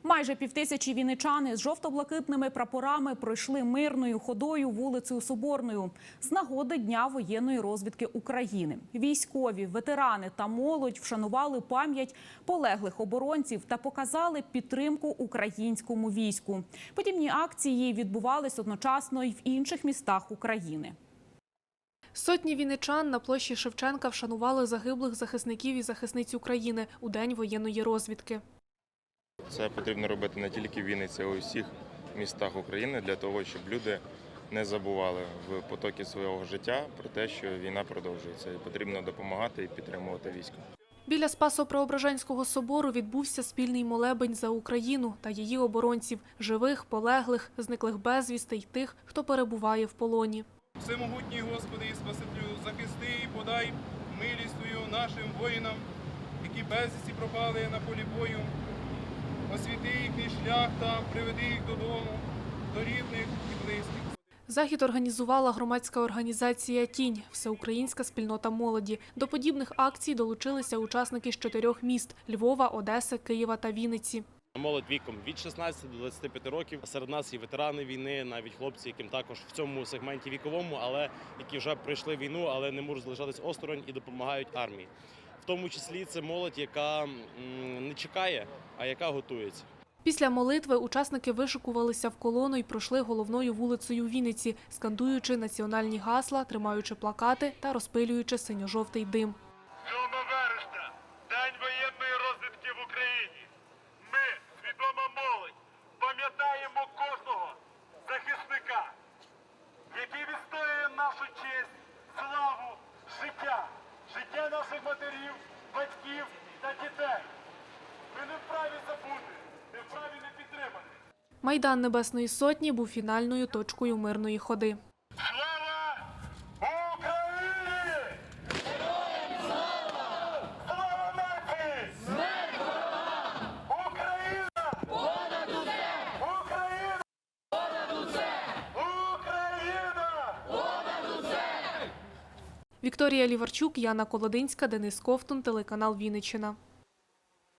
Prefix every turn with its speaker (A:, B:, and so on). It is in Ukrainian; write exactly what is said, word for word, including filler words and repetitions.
A: Майже півтисячі вінничани з жовто-блакитними прапорами пройшли мирною ходою вулицею Соборною з нагоди Дня воєнної розвідки України. Військові, ветерани та молодь вшанували пам'ять полеглих оборонців та показали підтримку українському війську. Подібні акції відбувались одночасно й в інших містах України.
B: Сотні вінничан на площі Шевченка вшанували загиблих захисників і захисниць України у День воєнної розвідки.
C: Це потрібно робити не тільки в Вінниці, а й у всіх містах України для того, щоб люди не забували в потокі свого життя про те, що війна продовжується. І потрібно допомагати і підтримувати військо.
B: Біля Спасо-Преображенського собору відбувся спільний молебень за Україну та її оборонців – живих, полеглих, зниклих безвісти й тих, хто перебуває в полоні.
D: Всемогутній Господи і Спасителю, захисти і подай милість Твою нашим воїнам, які безвісті пропали на полі бою. Освіти їхній шлях та приведи їх додому, до рідних і близьких.
B: Захід організувала громадська організація «Тінь» – всеукраїнська спільнота молоді. До подібних акцій долучилися учасники з чотирьох міст – Львова, Одеси, Києва та Вінниці.
E: Молодь віком від шістнадцяти до двадцяти п'яти років. Серед нас і ветерани війни, навіть хлопці, яким також в цьому сегменті віковому, але які вже пройшли війну, але не можуть залишатись осторонь і допомагають армії. В тому числі це молодь, яка не чекає, а яка готується.
B: Після молитви учасники вишикувалися в колону і пройшли головною вулицею Вінниці, скандуючи національні гасла, тримаючи плакати та розпилюючи синьо-жовтий дим.
F: сьомого вересня – День воєнної розвідки в Україні. Ми, свідома молодь, пам'ятаємо кожного захисника, який відстоює нашу честь, славу, життя, життя наших матерів, батьків та дітей. Ми не вправі забути, не вправі не підтримати.
B: Майдан Небесної Сотні був фінальною точкою мирної ходи.
F: Слава Україні! Героям слава! Слава нації! Смерть ворогам! Україна! Понад усе! Україна! Понад усе! Україна! Понад усе!
B: Вікторія Ліварчук, Яна Колодинська, Денис Ковтун, телеканал Вінниччина.